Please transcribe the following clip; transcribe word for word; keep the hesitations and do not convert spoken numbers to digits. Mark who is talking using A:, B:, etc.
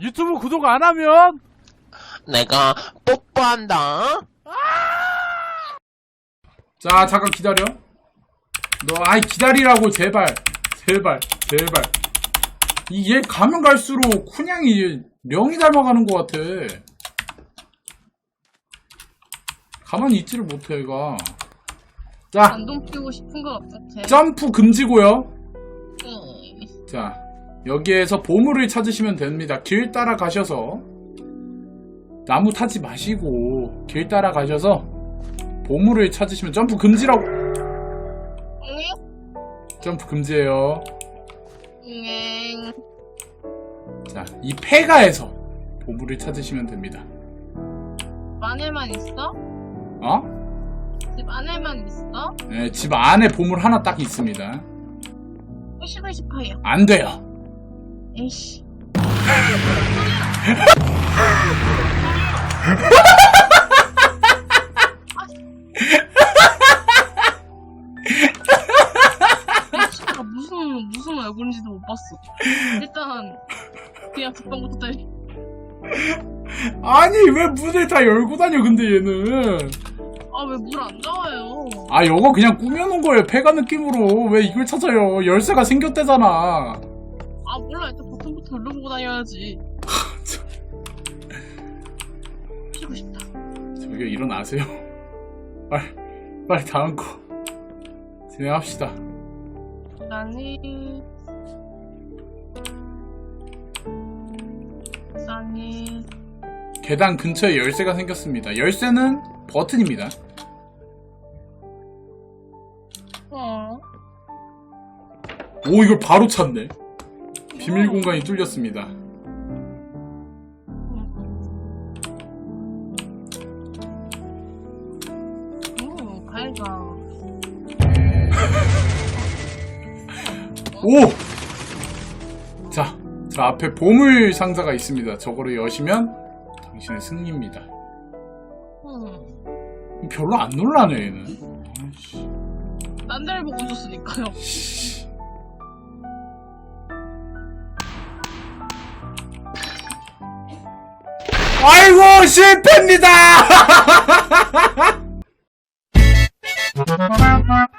A: 유튜브 구독 안 하면
B: 내가 뽀뽀한다.
C: 자, 잠깐 기다려. 너, 아이, 기다리라고, 제발. 제발, 제발. 이, 얘 가면 갈수록, 그냥이, 명이 닮아가는 것 같아. 가만히 있지를 못해, 얘가. 자,
D: 감동 피우고 싶은 것 같아.
C: 점프 금지고요.
D: 응.
C: 자, 여기에서 보물을 찾으시면 됩니다. 길 따라 가셔서, 나무 타지 마시고, 길 따라 가셔서, 보물을 찾으시면 점프 금지라고.
D: 응?
C: 점프 금지예요.
D: 응.
C: 자, 이 폐가에서 보물을 찾으시면 됩니다.
D: 집 안에만 있어?
C: 어?
D: 집 안에만 있어?
C: 네, 집 안에 보물 하나 딱 있습니다.
D: 시간 십파예요.
C: 안 돼요.
D: 에이씨. 진짜 무슨 무슨 얼굴인지도 못 봤어. 일단 그냥 듣방부터 때리.
C: 아니, 왜 문을 다 열고 다녀, 근데 얘는.
D: 아 왜 물 안 나와요?
C: 아, 이거 그냥 꾸며놓은 거예요, 폐가 느낌으로. 왜 이걸 찾아요? 열쇠가 생겼대잖아.
D: 아 몰라 일단 버튼부터 눌러보고 다녀야지. 피고 싶다.
C: 저기요, 일어나세요. 빨리, 빨리 다음 거. 진행합시다.
D: 나니 나니
C: 계단 근처에 열쇠가 생겼습니다. 열쇠는 버튼입니다.
D: 어
C: 오, 이걸 바로 찾네. 비밀 공간이 뚫렸습니다.
D: 음, 가이가.
C: 오! 자, 저 앞에 보물 상자가 있습니다. 저거를 여시면 당신의 승리입니다.
D: 음,
C: 별로 안 놀라네, 얘는. 아이씨.
D: 딴 데를 보고 줬으니까요.
C: 아이고, 실패입니다!